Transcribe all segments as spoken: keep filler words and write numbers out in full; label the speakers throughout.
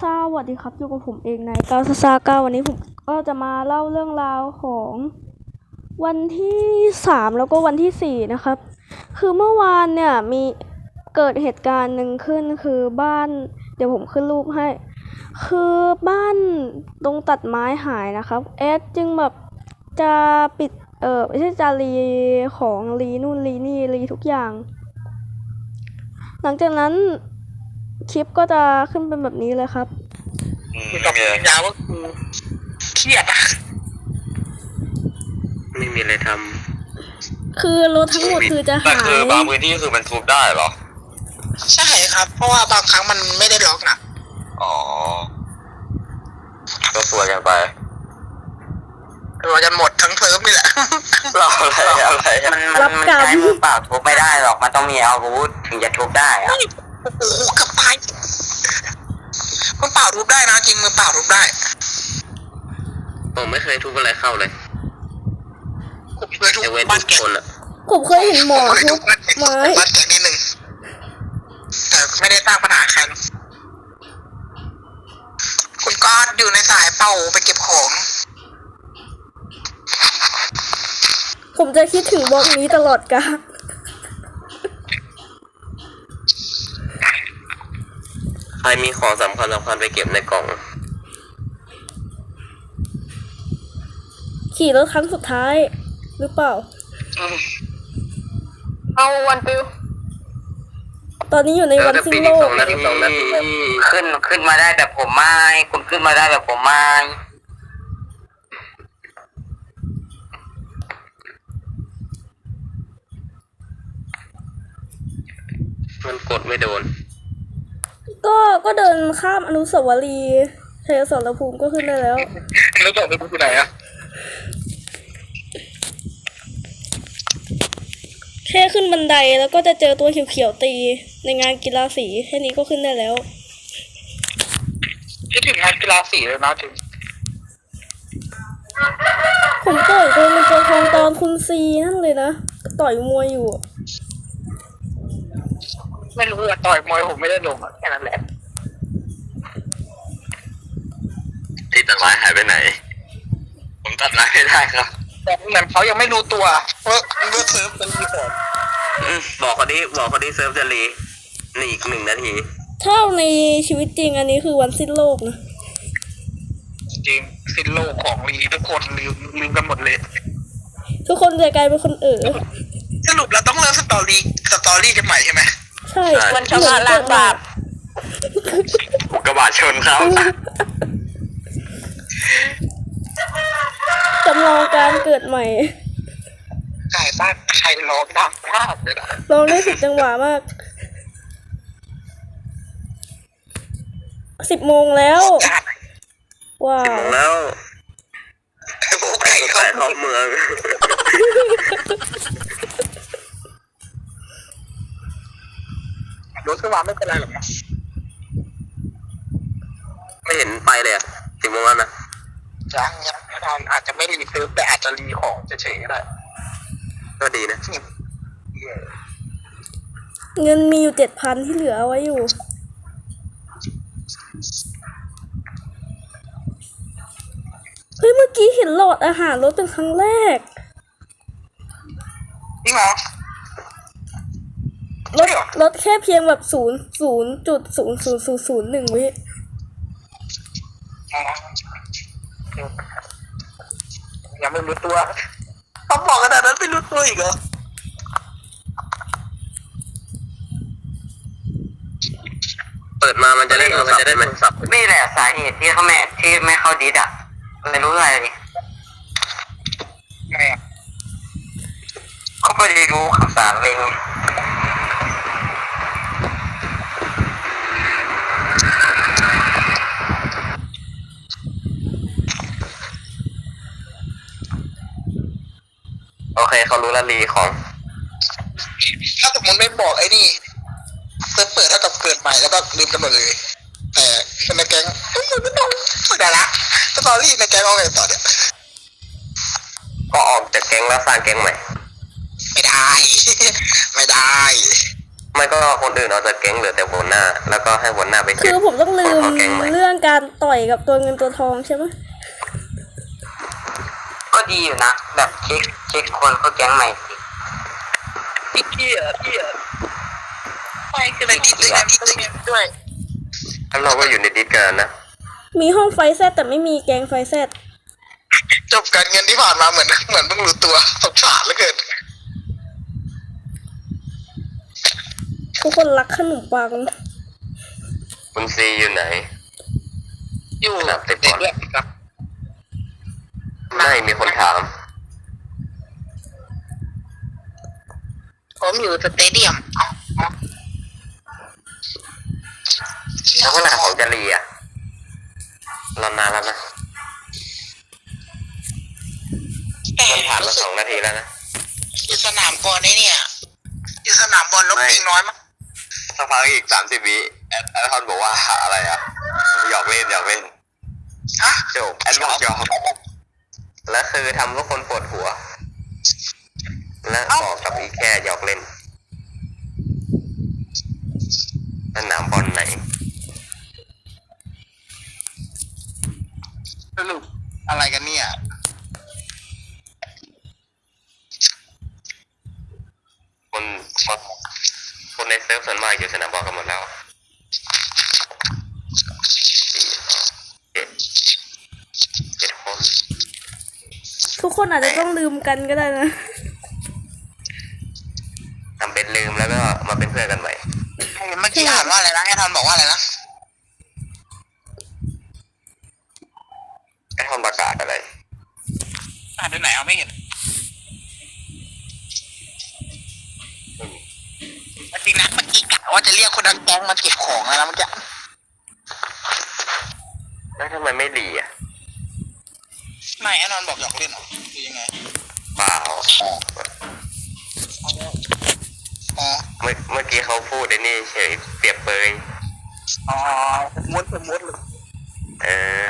Speaker 1: สวัสดีครับอยู่กับผมเองในกาซาซาก้าวันนี้ผมก็จะมาเล่าเรื่องราวของวันที่สามแล้วก็วันที่สี่นะครับคือเมื่อวานเนี่ยมีเกิดเหตุการณ์หนึ่งขึ้นคือบ้านเดี๋ยวผมขึ้นรูปให้คือบ้านตรงตัดไม้หายนะครับเอสจึงแบบจะปิดเออไม่ใช่จะรีของรีนู่นรีนี่รีทุกอย่างหลังจากนั้นคลิปก็จะขึ้นเป็นแบบนี้เลยครับ
Speaker 2: มีกับยาว่ากูเครียดอะไม่มีอะไรท
Speaker 1: ำคือรถทั้งหมดคือจะหายแต่
Speaker 2: คือบางพื้นที่คือมันทุบได้เหรอใช่ครับเพราะว่าบางครั้งมันไม่ได้ล็อกนะอ๋อก็สวยกันไปเราจะหมดทั้งเทอมนี่แหละเราอะไรอะไรมันมันใช้มือเปล่าทุบไม่ได้หรอกมันต้องมีอาวุธถึงจะทุบได้อะโอ้โหกับไปมือเปล่าทุบได้นะจริงมือเปล่าทุบได้ผมไม่เคยทุบอะไรเข้าเลยผมเคยทุบบ้านแกคนอะ
Speaker 1: ผมเคยเห็นหมอทุบไม้
Speaker 2: บ้านแกนิดนึงแต่ไม่ได้สร้างปัญหาใครคุณก็อยู่ในสายเป่าไปเก็บของ
Speaker 1: ผมจะคิดถึงบล็อกนี้ตลอดกาล
Speaker 2: ใครมีของสำคัญสำคัญไปเก็บในกล่อง
Speaker 1: ขี่รถครั้งสุดท้ายหรือเปล่า
Speaker 2: เอาวันติว
Speaker 1: ตอนนี้อยู่ในวันสิ้นโลก
Speaker 2: ขึ้นขึ้นมาได้แบบผมไม่คุณขึ้นมาได้แบบผมไม่มันกดไม่โดน
Speaker 1: ก็ก็เดินข้ามอนุสาวรีย์ชัยสมรภูมิก็ขึ้นได้แล้ว
Speaker 2: อนุสาวรีย์คือไหนอะ
Speaker 1: แค่ขึ้นบันไดแล้วก็จะเจอตัวเขียวๆตีในงานกีฬาสีแค่นี้ก็ขึ้นได้แล้ว
Speaker 2: คิดถึงงานกีฬาสีเลยนะถึง
Speaker 1: ผมต่อยตัวมันตัวทองตอนคุณซีนั่นเลยนะต่อยมวยอยู่
Speaker 2: ไม่รู้อะต่อยมวยผมไม่ได้ลงแค่นั้นแหละที่ตัดไม้หายไปไหนผมตัดไม้ไม่ได้ครับแต่เหมือนเขายังไม่รู้ตัวว่าว่าเซิร์ฟเป็นรีพอร์ตบอกเขาดิบอกเขาดิเซิร์ฟจะรีนี่อีกหนึ่งนาที
Speaker 1: เท่าในชีวิตจริงอันนี้คือวันสิ้นโลกนะ
Speaker 2: จริงสิ้นโลกของรีทุกคนลืมลืมกันหมดเลย
Speaker 1: ทุกคนจะกลายเป็นคนเอ๋อ
Speaker 2: สรุปเราต้องเริ่มสตอรี่สตอรี่กันใหม่ใช่ไหม
Speaker 1: ใช่
Speaker 2: วันชนะล้างบาปกระบะชนเขา
Speaker 1: จำลองการเกิดใหม่
Speaker 2: ใช่บ้านใครร้องดังมากเลยนะ
Speaker 1: ร้องได้สิบจังหวะมากสิบโมงแล้วว้าว
Speaker 2: แล้วพวกใครเข้าเมืองรถขึ้นมาไม่เป็นไรหรอกนะไม่เห็นไปเลยอะสิบโมงแล้วนะยังยังไม่ทันอาจจะไม่รีเซิร์ฟแต่อาจจะรีของเฉยๆก็ได้ก็ดีนะ
Speaker 1: เงินมีอยู่เจ็ดพันที่เหลือเอาไว้อยู่เฮ้ยเมื่อกี้เห็นหลอดอาหารรถเป็นครั้งแรก
Speaker 2: จริงเหรอ
Speaker 1: รถรถแค่เพียงแบบศูนย์ศูนย์จุดศูนย์ศูนย์ศูนย์ศูนย์หนึ่งวิ
Speaker 2: ยังไม่รู้ตัวเขาบอกขนาดนั้นไม่รู้ตัวอีกเหรอเปิดมามันจะได้มันจะได้มันสับนี่แหละสาเหตุที่เขาแม่ที่ไม่เข้าดิสอ่ะไม่รู้อะไรเลยไม่เขาไม่ได้รู้ข่าวสารเลยโอเคเขารู้ละลีของถ้าสมมติไม่บอกไอ้นี่เซิร์ฟเปิดเท่ากับเกิดใหม่แล้วก็ลืมกันหมดเลยแต่คนในแก๊งไม่ต้องไม่ได้ละสตอรี่ในแก๊งเอาไงต่อเนี่ยก็ออกจากแก๊งแล้วสร้างแก๊งใหม่ไม่ได้ไม่ได้ไม่ก็คนอื่นออกจากแก๊งเหลือแต่หัวหน้าแล้วก็ให้หัวหน้าไป
Speaker 1: คือผมต้องลืมเรื่องการต่อยกับตัวเงินตัวทองใช่ไหม
Speaker 2: ก็ดีอยู่นะแบบเช็คเช็คคนเขาแก๊งใหม่สิพี่พี่อ่ะพี่อ่ะไปคือในดิสด้วยดิสด้วยแล้วเราก็อยู่ในดิสกันนะ
Speaker 1: มีห้องไฟแซดแต่ไม่มีแกงไฟแซด
Speaker 3: จบการเงินที่ผ่านมาเหมือนเหมือนเพิ่งรู้ตัวสงสารเหลือเกิน
Speaker 1: ทุกคนรักขนมปัง
Speaker 2: คุณซีอยู่ไหน
Speaker 3: อยู่
Speaker 2: สนามเตะบอล
Speaker 3: ด้วยครับ
Speaker 2: ไม่มีคนถาม
Speaker 3: ผมอยู่สเตเดียม
Speaker 2: แล้วขนาดของจรีอ่ะรอนานแล้วนะมันผ่านมาสองนาทีแล้วนะ
Speaker 3: ที่สนามบอลนี่เนี่ยที่สนามบอลลบปีน้อยมาก
Speaker 2: สักพักอีกสามสิบวิแอดแอดทอนบอกว่าอะไรอ่ะหยอกเล่นหยอกเล่น
Speaker 3: ฮะ
Speaker 2: จบแอดบอกหยอกแล้วคือทำให้คนปวดหัว และบอกกับอีแค่หยอกเล่นสนามบอลไหน
Speaker 3: สรุปอะไรกันเนี่ย
Speaker 2: คนคนคนในเซิร์ฟส่วนมากอยู่สนามบอลกันหมดแล้วสี่เจ็ดเจ็ดคน
Speaker 1: ทุกคนอาจจะต้องลืมกันก็ได้นะ
Speaker 2: ทำเป็นลืมแล้วก็มาเป็นเพื่อนกันใหม่
Speaker 3: เมื่อกี้อ่านว่าอะไรนะไอ้ทอนบอกว่าอะไรนะ
Speaker 2: ไอ้ทอนประกาศอะไร
Speaker 3: อ่านที่ไหนเอาไม่เห็นจริงนะเมื่อกี้กะว่าจะเรียกคนดังแก๊งมาเก็บของแล้วนะเมื่อกี้
Speaker 2: แล้วทำไมไม่ดีอ่ะ
Speaker 3: ไม่ไอ้นอนบอกหยอกเล่นเหรอคือยังไง
Speaker 2: เปล่า
Speaker 3: อ๋อ
Speaker 2: เมื่อเมื่อกี้เขาพูดไอ้นี่เฉยเปรียบเปย
Speaker 3: อ๋อมุดมุดเลย
Speaker 2: เออ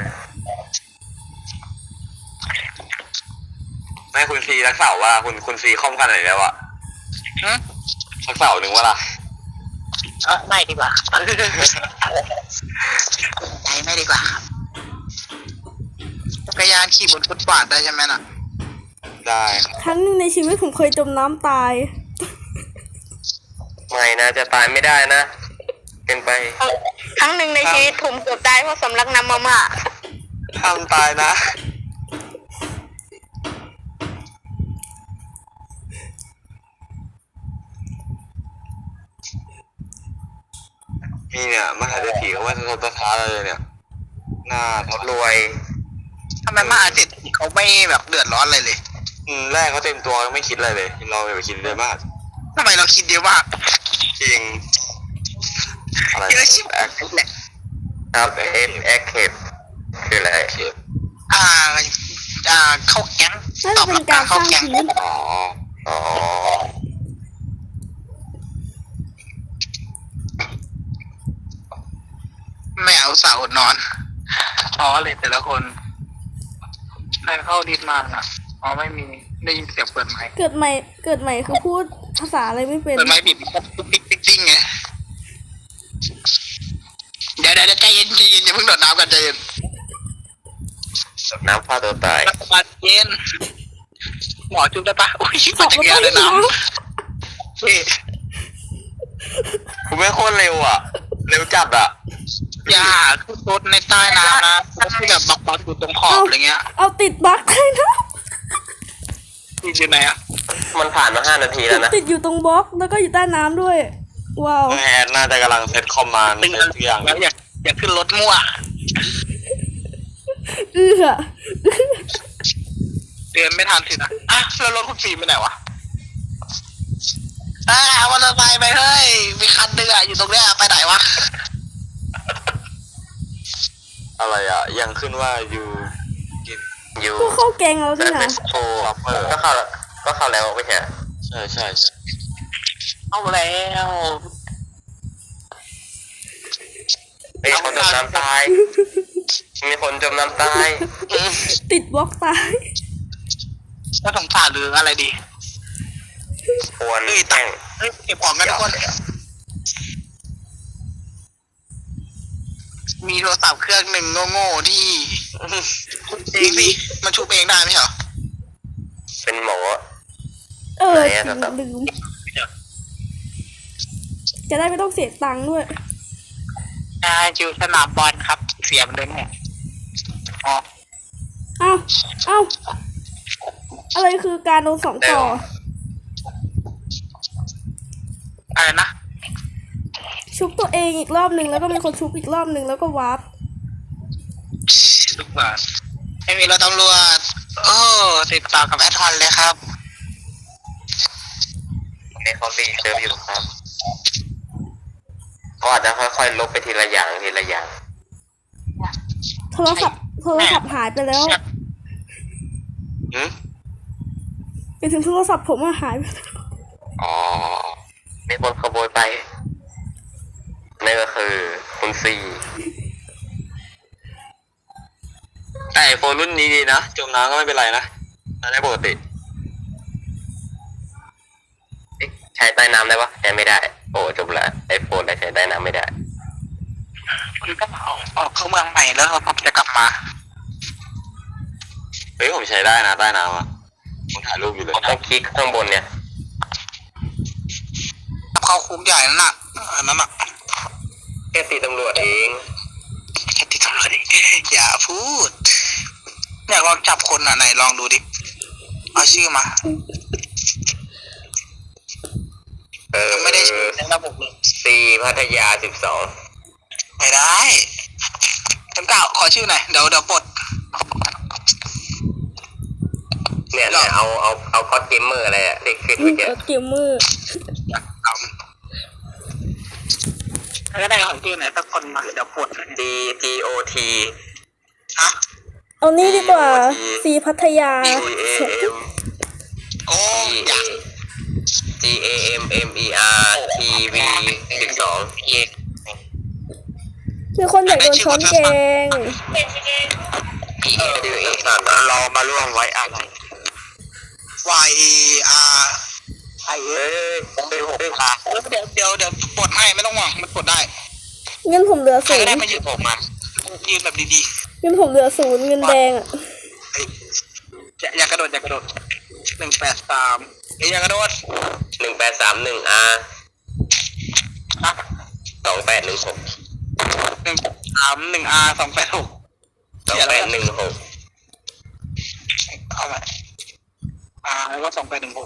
Speaker 2: แม่คุณซีรักเสาว่าคุณคุณซีคอมกันไหนแล้วอะ
Speaker 3: ฮะ
Speaker 2: สักเสาหนึ่งว่าล่ะ
Speaker 3: เออไม่ดีกว่าใจไม่ดีกว่าจักรยานขี่บนฟุตบาทได้ใช่ไหมน่ะ
Speaker 2: ได้
Speaker 1: ครั้งหนึ่งในชีวิตผมเคยจมน้ำตาย
Speaker 2: ไม่นะจะตายไม่ได้นะ เป็นไป
Speaker 4: ครั้งหนึ่งในชีวิตผมเกือบตายเพราะสำลักน้ำมาม่า
Speaker 2: ทำตายนะ นี่เนี่ยมหาเศรษฐีเขาว่าจะทำตาท้าเลยเนี่ย หน้าทดรวย
Speaker 3: ทำไมมหาเศรษฐีเขาไม่แบบเดือดร้อนอะไรเลย
Speaker 2: อืมแรกเขาเต็มตัวไม่คิดอะไรเลย เราอย่าไปคิดเลยมาก
Speaker 3: ทำไมเราคิดเยอะมาก
Speaker 2: จริง อะไร
Speaker 3: เยอะชิบ
Speaker 2: แอค
Speaker 3: แหละ
Speaker 2: ครับเอฟแอคเคปคืออะไร
Speaker 3: อ่าอ่าเข้าแก๊ง
Speaker 1: น่า
Speaker 3: ต
Speaker 1: จะ
Speaker 3: อบ
Speaker 1: เป็
Speaker 3: รั
Speaker 1: น
Speaker 3: บ
Speaker 1: กา
Speaker 3: การ ร
Speaker 1: ส
Speaker 3: เข้า
Speaker 1: ร้าง
Speaker 3: แก๊ง
Speaker 1: ทีม
Speaker 2: อ๋อ อ๋อ
Speaker 3: ไม่เอาสาวอดนอนอ๋อเลยแต่ละคนใครเข้าดิสมาอ่ะอ๋อไม่มีได้ยินเสียงเปิดไมค์
Speaker 1: เกิดใหม่ เกิดใหม่คือพูดภาษาอะไรไม่เป็น
Speaker 3: เปิดไมค์ปิดปิ๊กปิ๊กปิ๊กปิ๊กไงเดี๋ยวเดี๋ยวใจเย็นใจเย็นอย่าเพิ่งโดดน้ำกันใจเย็น
Speaker 2: น้ำฆ่าตัวตาย
Speaker 3: รักษาเย็นหมอจุ๊บได้ปะอุ้ย
Speaker 1: ขอบ
Speaker 3: จั
Speaker 1: คุ
Speaker 3: ก
Speaker 1: ณ
Speaker 3: รยานเลย
Speaker 1: นะ
Speaker 3: น้ำเฮ้ย
Speaker 2: คุณไม่โคตรเร็วอ่ะ เร็วจัดอ่ะ
Speaker 3: อย่าขึ้นรถในใต้น้ำนะรถที่แบบบักบักอยู่ตรงขอบอะไรเงี้ย
Speaker 1: เอาติดบั๊กเลยนะ
Speaker 3: ที่อยู่ไหนอ่ะ
Speaker 2: มันผ่านมาห้านาทีแล้วนะ
Speaker 1: ติดอยู่ตรงบล็อกแล้วก็อยู่ใต้น้ำด้วย ว้าว
Speaker 2: แอดน่าจะกำลังเซตคอมมานด์
Speaker 3: ตึง
Speaker 2: เซตทุกอย่าง
Speaker 3: แล้วอยากอยากขึ้นรถมั่ว
Speaker 1: เอื้อ
Speaker 3: เดินไม่ทันสินะอ่ะแล้วรถคุณฟิล์มไปไหนวะอ่าวันละไปไปเฮ้ยมีคันเดืออยู่ตรงเนี้ยไปไหนวะ
Speaker 2: อะไรอ่ะ ยังขึ้นว่าอยู่อยู่
Speaker 1: ก็เข้าแกงแล้ว
Speaker 2: เซ
Speaker 1: นี่
Speaker 2: ตเฟ
Speaker 1: นะ
Speaker 2: สโฟก็เข้าแล้วก็เข้าแล้วไม่ใช่ใช่ใช่ใช่
Speaker 3: เอาแล้ว
Speaker 2: มีคนจมน้ำตาย มีคนจมน้ำตาย
Speaker 1: ติดบล็อกตาย
Speaker 3: ก็สงสารหรืออะไรดี
Speaker 2: ควร
Speaker 3: เฮ้ย
Speaker 2: แต่ง
Speaker 3: เฮ้ยเก็บของกันทุกคนมีโทรศัพท์เครื่องหนึ่งโง่ๆที่เองสิมันชุบเองได้ไหมเหรอ
Speaker 2: เป็นหมอ
Speaker 1: เออ
Speaker 2: ไหนอะครับ
Speaker 1: ลืมจะได้ไม่ต้องเสียตังค์ด้วย
Speaker 3: อ่าจิวสนามบอลครับ เสียมันเลยเนี่ยอ๋อ
Speaker 1: เอ้าเอ้าอะไรคือการโดนสองต่อ
Speaker 3: อะไรนะ
Speaker 1: ชุบตัวเองอีกรอบหนึ่งแล้วก็มีคนชุบอีกรอบหนึ่งแล้วก็วาร์ป
Speaker 3: ทุกบาทไม่มีรถตำรวจโอ้ติดต่อกับแอดฮอนเลยครับ
Speaker 2: ในเขารีเซิร์ฟอยู่ครับ ก็อาจจะค่อยๆลบไปทีละอย่างทีละอย่าง
Speaker 1: โทรศัพท์โทรศัพท์หายไปแล้ว
Speaker 2: หืม
Speaker 1: ไปถึงโทรศัพท์ผมอะหายไปแล้ว
Speaker 2: อ๋อมีคนขโมยไปนั่นก็คือคุณซีแต่ไอโฟนรุ่นนี้ดีนะจมน้ำก็ไม่เป็นไรนะใช้ได้ปกติเอ๊ะใช้ใต้น้ำได้ปะใช้ไม่ได้ โอ้จบละไอโฟนแต่ใช้ใต้น้ำไม่ได้
Speaker 3: คุณก็ออกออกเข้าเมืองใหม่แล้วผมจะกลับมา
Speaker 2: เฮ้ยผมใช้ได้นะใต้น้ำอ่ะผมถ่ายรูปอยู่เลยต้องคลิกข้างบนเนี่ย
Speaker 3: เข้าคุกใหญ่นั่นน่ะอันนั้นน่ะ
Speaker 2: แค่ตีตำรวจเอง
Speaker 3: แค่ติดตำรวจดิอย่าพูดอยากลองจับคนอ่ะไหนลองดูดิเอาชื่อมา
Speaker 2: เออ
Speaker 3: ไม่ได้ชื่อในระบบเลย
Speaker 2: ซีพัทยาสิบสอง
Speaker 3: ไม่ได้เต็มเก้าขอชื่อหน่อยเดี๋ยวเดี๋ยวปลด
Speaker 2: เนี่ยเนี่ยเอาเอาเอาคอสเกมเมอร์อะไรอะเด็กขึ้นเมื่อกี้
Speaker 1: เออเกมมือ
Speaker 3: อยากทำถ้าก็ได้ขอชื่อไหนสักคนมาเดี๋ยวปลด
Speaker 2: D T O T
Speaker 3: ฮะ
Speaker 1: เอานี่ดีกว่า
Speaker 2: โอเค
Speaker 1: ซีพัทยา
Speaker 2: G A M
Speaker 3: โอ้อยาก
Speaker 2: G A M M E R T V สิบสอง
Speaker 3: เอง
Speaker 1: มีคนอยากโดนช้อนแกง
Speaker 2: E A W A สัตว์รอมาร่วมไว้อะไร
Speaker 3: Y A R
Speaker 2: ไอ้เอ้ยเป็นหกพา
Speaker 3: เดี๋ยวเดี๋ยวเดี๋ยวปลดให้ไม่ต้องห่วงมันปลดได้
Speaker 1: เงินผมเหลือ
Speaker 3: ใคร
Speaker 1: ศู
Speaker 3: ก็
Speaker 1: น
Speaker 3: ได้
Speaker 1: ย์
Speaker 3: มายืนผมมายืนแบบดี
Speaker 1: เงินผมเหลือศูนย์เงินแดงอะ
Speaker 3: ๆเฮ้ยอย่าอย่ากระโดดอย่ากระโดดหนึ่งแปดสามเฮ้ยอย่ากระโดด
Speaker 2: หนึ่งแปดสามหนึ่ง R
Speaker 3: อ่ะ
Speaker 2: สองแปดหนึ่งหก
Speaker 3: หนึ่งสามหนึ่ง R สองแปดหก
Speaker 2: สองแปดหนึ่งหก
Speaker 3: เอาไป R แล้วก็สองแปดหนึ่งหก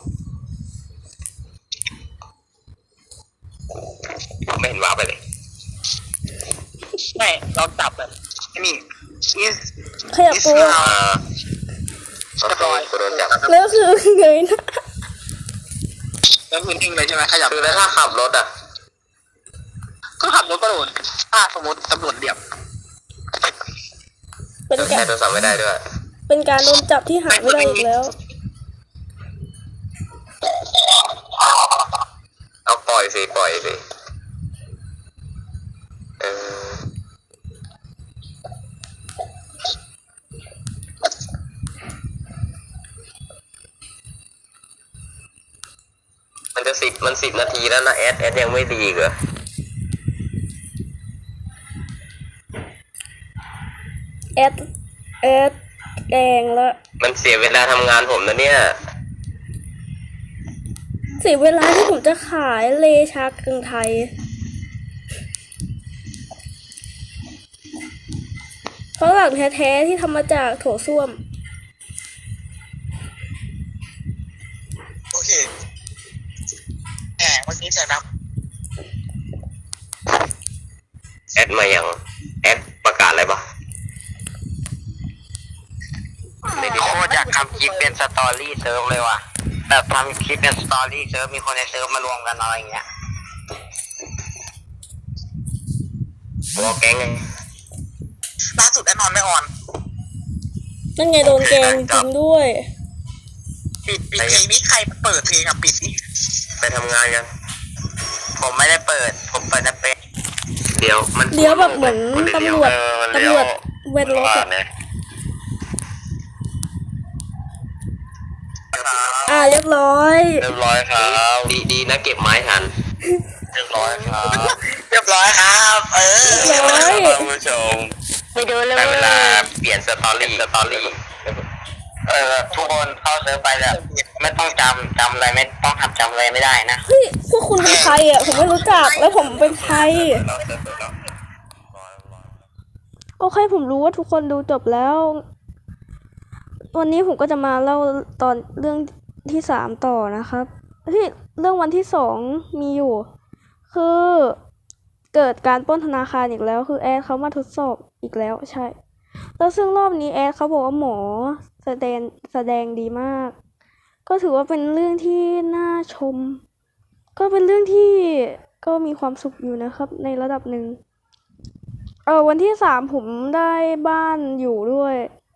Speaker 2: ไม่เห็นว้าไปเลย
Speaker 3: ไม่เราจับแบบนี่ is
Speaker 1: ขยับ
Speaker 3: is
Speaker 1: ตัว
Speaker 3: now
Speaker 2: อ่าโอเคกูโดนจับ
Speaker 1: แล้วคือเงยหนะ
Speaker 3: แล้วคือนิ่งเลยใช่ไหมขยับ
Speaker 2: คือแล้วถ้าขับรถอ่ะ
Speaker 3: ก็ขับรถก็โดนถ้าสมมติตำรวจเรียบ
Speaker 1: เป็นกา
Speaker 2: ใช้
Speaker 1: ร
Speaker 2: โทรศัพท์ไม่ได้ด้วย
Speaker 1: เป็นการโดนจับที่หายไม่ได้อีกแล้ว
Speaker 2: เอาปล่อยสิปล่อยสิเออมันจะสิบมันสิบนาทีแล้วนะแอดแอดยังไม่ดีอีกเหรอ
Speaker 1: แอดแอดแดงแล้ว
Speaker 2: มันเสียเวลาทำงานผมนะเนี่ย
Speaker 1: เสียเวลาที่ผมจะขายเลชากึ่งไทย เพราะหลังแท้ๆที่ทำมาจากโถส้วม
Speaker 3: โอเคแหมเมื่อกี้เสียงดัง
Speaker 2: แอดมาอย่างแอดประกาศอะไรปะ โคตรอยากทำคลิปเป็นสตอรี่เซิร์ฟเลยว่ะแบบทำคลิปเป็นสตอรี่เซิร์ฟมีคนในเซิร์ฟมารวมกันอะไรอย่างเงี้ยวอลแก๊งไง
Speaker 3: ล่าสุดแน่นอนไม่ออน
Speaker 1: นั่นไงโดนแกงจริงด้วย
Speaker 3: ปิดปิดเพลงนี้ใครเปิดเพลงอ่ะปิดนี่
Speaker 2: ไปทำงานกัน ผมไม่ได้เปิด ผมเปิดแต่เป็นเดี๋ยวมัน
Speaker 1: เลี้ยวแบบเหมือนตำรวจ
Speaker 2: เออมัน
Speaker 1: ตำ
Speaker 2: เลี้
Speaker 1: ร
Speaker 2: ยว
Speaker 1: วจเวทรถอะ
Speaker 2: เนี่ย
Speaker 1: อ่าเรียบร้อย
Speaker 2: เรียบร้อยครับดีดีนะเก็บไม้ทันเรียบร้อยครับเรียบร้อยครับเออ
Speaker 1: เรียบร้อย
Speaker 2: ท่านผู้ชม
Speaker 4: ไปดูเลย
Speaker 2: ได้เวลาเปลี่ยนสตอรี่สตอรี่เออทุกคนเข้าเซิร์ฟไปแล้วไม่ต้องจำจำอะไรไม่ต้องหัดจำอะไรไม่ได้นะ
Speaker 1: เฮ้ยพวกคุณเป็นใครอ่ะผมไม่รู้จักแล้วผมเป็นใครโอเคผมรู้ว่าทุกคนดูจบแล้ว วันนี้ผมก็จะมาเล่าตอนเรื่องที่สามต่อนะครับที่เรื่องวันที่สองมีอยู่ คือเกิดการปล้นธนาคารอีกแล้ว คือแอดเขามาทดสอบอีกแล้วใช่ แล้วซึ่งรอบนี้แอดเขาบอกว่าหมอแสดงแสดงดีมาก ก็ถือว่าเป็นเรื่องที่น่าชม ก็เป็นเรื่องที่ก็มีความสุขอยู่นะครับ ในระดับหนึ่งเออวันที่สามผมได้บ้านอยู่ด้วย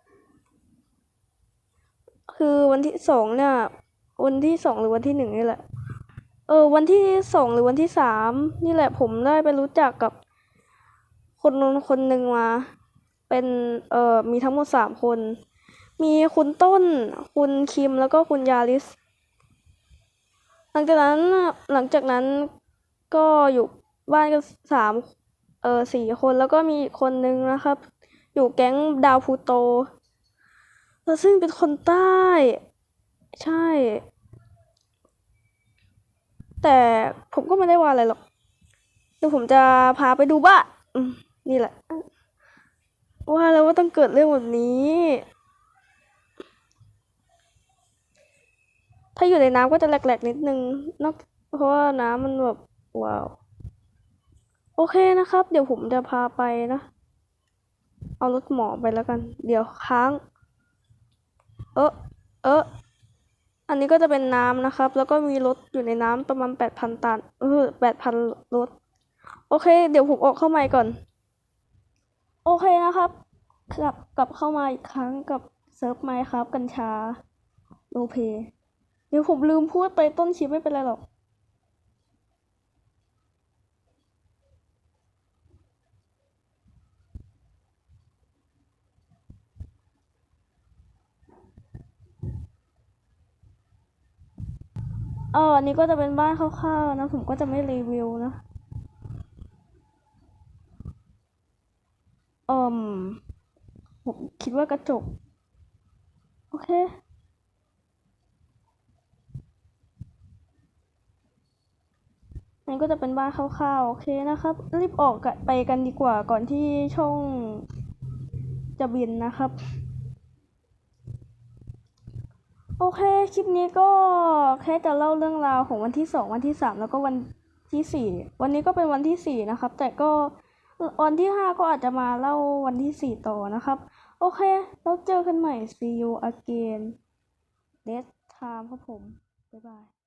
Speaker 1: คือวันที่สองเนี่ย วันที่สองหรือวันที่หนึ่งนี่แหละ เออวันที่สองหรือวันที่สามนี่แหละผมได้ไปรู้จักกับคนนนคนหนึ่งมา เป็นเอ่อมีทั้งหมดสามคน มีคุณต้น คุณคิมแล้วก็คุณยาริส หลังจากนั้นหลังจากนั้นก็อยู่บ้านกันสามเออสี่คนแล้วก็มีอีกคนนึงนะครับ อยู่แก๊งดาวพลูโตแล้วซึ่งเป็นคนใต้ ใช่ แต่ผมก็ไม่ได้ว่าอะไรหรอกเดี๋ยวผมจะพาไปดูบ้านอืมนี่แหละ ว่าแล้วว่าต้องเกิดเรื่องแบบนี้ ถ้าอยู่ในน้ำก็จะแหลกๆนิดนึงนอกเพราะว่าน้ำมันแบบว้าว โอเคนะครับ เดี๋ยวผมจะพาไปนะ เอารถหมอไปแล้วกัน เดี๋ยวค้าง เออเอออันนี้ก็จะเป็นน้ำนะครับ แล้วก็มีรถอยู่ในน้ำประมาณแปดพันตันเออแปดพันรถ โอเค เดี๋ยวผมออกเข้ามาก่อน โอเคนะครับกลับกลับเข้ามาอีกครั้งกับเซิร์ฟไมค์ครับกัญชาโลเพเดี๋ยวผมลืมพูดไปต้นคลิปไม่เป็นไรหรอกเอออันนี้ก็จะเป็นบ้านคร่าวๆนะผมก็จะไม่รีวิวนะเอ่มผมคิดว่ากระจกโอเคอันนี้ก็จะเป็นบ้านคร่าวๆโอเคนะครับรีบออกกันไปกันดีกว่าก่อนที่ช่องจะบินนะครับโอเคคลิปนี้ก็แค่จะเล่าเรื่องราวของวันที่สองวันที่สามแล้วก็วันที่สี่วันนี้ก็เป็นวันที่สี่นะครับแต่ก็วันที่ห้าก็อาจจะมาเล่าวันที่สี่ต่อนะครับโอเคแล้วเจอกันใหม่ see you again next time ครับผมบ๊ายบาย